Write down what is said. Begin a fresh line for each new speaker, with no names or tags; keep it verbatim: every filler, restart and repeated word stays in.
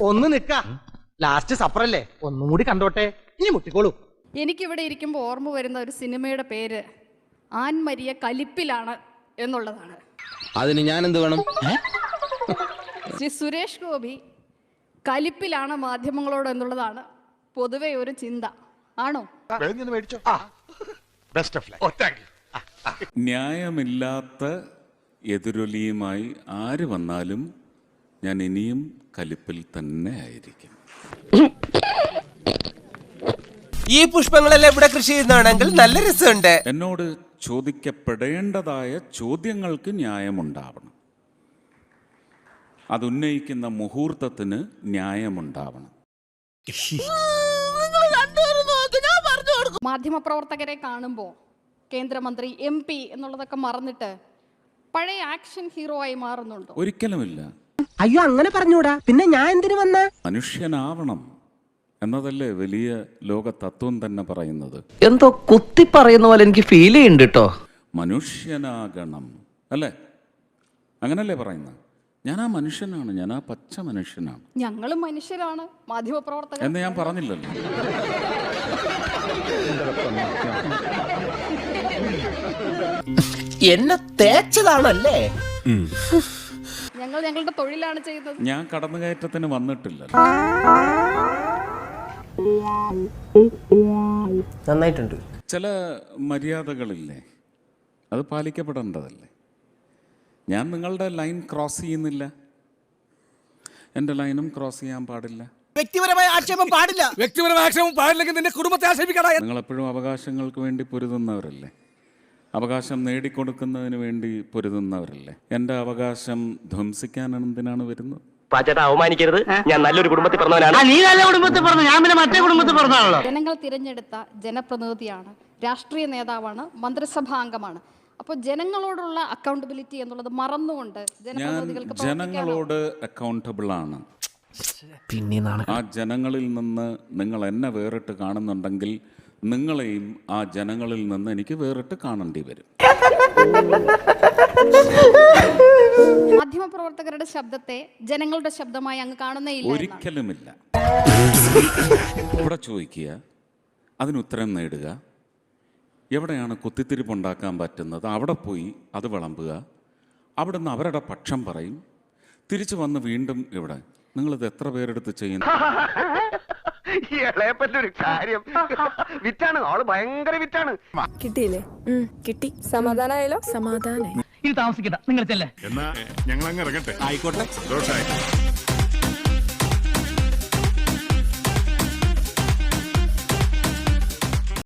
ഒന്ന് നിക്ക, ലാസ്റ്റ് സപ്പറല്ലേ, ഒന്നും കൂടി കണ്ടോട്ടെ, ഇനി മുട്ടിക്കോളൂ.
എനിക്കിവിടെ ഇരിക്കുമ്പോൾ ഓർമ്മ വരുന്ന ഒരു സിനിമയുടെ പേര് ആൻമരിയ കലിപ്പിലാണ് എന്നുള്ളതാണ്.
അതിന് ഞാൻ എന്ത് വേണം?
ശ്രീ സുരേഷ് ഗോപി കലിപ്പിലാണ് മാധ്യമങ്ങളോട് എന്നുള്ളതാണ് പൊതുവെ ഒരു ചിന്ത. ആണോ?
ന്യായമില്ലാത്ത എതിരൊലിയുമായി ആര് വന്നാലും ഞാൻ ഇനിയും കലിപ്പിൽ തന്നെ ആയിരിക്കും.
ഈ പുഷ്പങ്ങളെല്ലാം ഇവിടെ കൃഷി ചെയ്യുന്നതാണെങ്കിൽ നല്ല രസമുണ്ട്.
എന്നോട് ചോദിക്കപ്പെടേണ്ടതായ ചോദ്യങ്ങൾക്ക് ന്യായമുണ്ടാവണം. അതുന്നയിക്കുന്ന മുഹൂർത്തത്തിന് ന്യായമുണ്ടാവണം.
മാധ്യമപ്രവർത്തകരെ കാണുമ്പോൾ കേന്ദ്രമന്ത്രി, എം പി എന്നുള്ളതൊക്കെ മറന്നിട്ട് പഴയ ആക്ഷൻ ഹീറോ ആയി മാറുന്നുണ്ടോ?
ഒരിക്കലുമില്ല.
അയ്യോ, അങ്ങനെ പറഞ്ഞൂടാ, പിന്നെ ഞാൻ എന്തിനു വന്ന?
മനുഷ്യനാവണം എന്നതല്ലേ വലിയ ലോക തത്വം തന്നെ പറയുന്നത്.
എന്തോ കുത്തി പറയുന്ന പോലെ എനിക്ക് ഫീൽ ചെയ്യുന്നുണ്ട് കേട്ടോ.
മനുഷ്യനാകണം അല്ലേ? അങ്ങനല്ലേ പറയുന്നത്? ഞാൻ ആ മനുഷ്യനാണ്, ഞാൻ ആ പച്ച മനുഷ്യനാണ്.
ഞങ്ങളും മനുഷ്യരാണ്, മാധ്യമപ്രവർത്തകർ
എന്ന് ഞാൻ പറഞ്ഞില്ലല്ലോ.
എന്നെ തേച്ചതാണല്ലേ?
ഞങ്ങൾ ഞങ്ങളുടെ തൊഴിലാണ് ചെയ്യുന്നത്.
ഞാൻ കടന്നുകയറ്റത്തിന് വന്നിട്ടില്ല.
നന്നായിട്ടുണ്ട്.
ചില മര്യാദകളില്ലേ, അത് പാലിക്കപ്പെടേണ്ടതല്ലേ? ഞാൻ നിങ്ങളുടെ ലൈൻ ക്രോസ് ചെയ്യുന്നില്ല, എൻ്റെ ലൈനും ക്രോസ് ചെയ്യാൻ പാടില്ല.
വ്യക്തിപരമായ ആക്ഷേപം പാടില്ല.
വ്യക്തിപരമായ ആക്ഷേപം പാടില്ലെങ്കിൽ നിന്റെ കുടുംബത്തെ ആക്ഷേപിക്കടാ.
നിങ്ങളെപ്പോഴും അവകാശങ്ങൾക്ക് വേണ്ടി പൊരുതുന്നവരല്ലേ, അവകാശം നേടിക്കൊടുക്കുന്നതിന് വേണ്ടി പൊരുതുന്നവരല്ലേ. എൻ്റെ അവകാശം ധ്വംസിക്കാൻ എന്തിനാണ് വരുന്നത്?
അവമാനിക്കരുത്, ഞാൻ നല്ലൊരു കുടുംബത്തിൽ പറഞ്ഞവനാണ്.
നീ നല്ല കുടുംബത്തിൽ പറഞ്ഞു, ഞാൻ പിന്നെ മറ്റേ കുടുംബത്തിൽ പറഞ്ഞാണല്ലോ.
ജനങ്ങൾ തിരഞ്ഞെടുത്ത ജനപ്രതിനിധിയാണ്, രാഷ്ട്രീയ നേതാവാണ്, മന്ത്രിസഭാംഗമാണ്. അപ്പോൾ ജനങ്ങളോടുള്ള അക്കൗണ്ടബിലിറ്റി എന്നുള്ളത് മറന്നുകൊണ്ട്
ഞാൻ
ജനപ്രതിനിധികൾക്ക്
ജനങ്ങളോട് അക്കൗണ്ടബിൾ ആണ്.
പിന്നെ
ആ ജനങ്ങളിൽ നിന്ന് നിങ്ങൾ എന്നെ വേറിട്ട് കാണുന്നുണ്ടെങ്കിൽ നിങ്ങളെയും ആ ജനങ്ങളിൽ നിന്ന് എനിക്ക് വേറിട്ട് കാണേണ്ടി വരും.
മാധ്യമപ്രവർത്തകരുടെ ശബ്ദത്തെ ജനങ്ങളുടെ ശബ്ദമായി അങ്ങ് കാണുന്നേ ഇല്ല?
ഒരിക്കലുമില്ല. ഇവിടെ ചോദിക്കുക, അതിനുത്തരം നേടുക, എവിടെയാണ് കുത്തിത്തിരിപ്പുണ്ടാക്കാൻ പറ്റുന്നത് അവിടെ പോയി അത് വിളമ്പുക, അവിടെ നിന്ന് അവരുടെ പക്ഷം പറയും, തിരിച്ചു വന്ന് വീണ്ടും ഇവിടെ. നിങ്ങളിത് എത്ര പേരെടുത്ത് ചെയ്യുന്നു?
ഇളയപ്പറ്റൊരു കാര്യം വിറ്റാണ്, ആള് ഭയങ്കര വിറ്റാണ്.
കിട്ടിയില്ലേ? കിട്ടി. സമാധാനായാലോ? സമാധാനായി.
ഇത് താമസിക്കണ്ട, നിങ്ങൾ ചെല്ലേ.
എന്നാ ഞങ്ങൾ അങ്ങ് ഇറങ്ങട്ടെ.
ആയിക്കോട്ടെ.
ദോഷായി.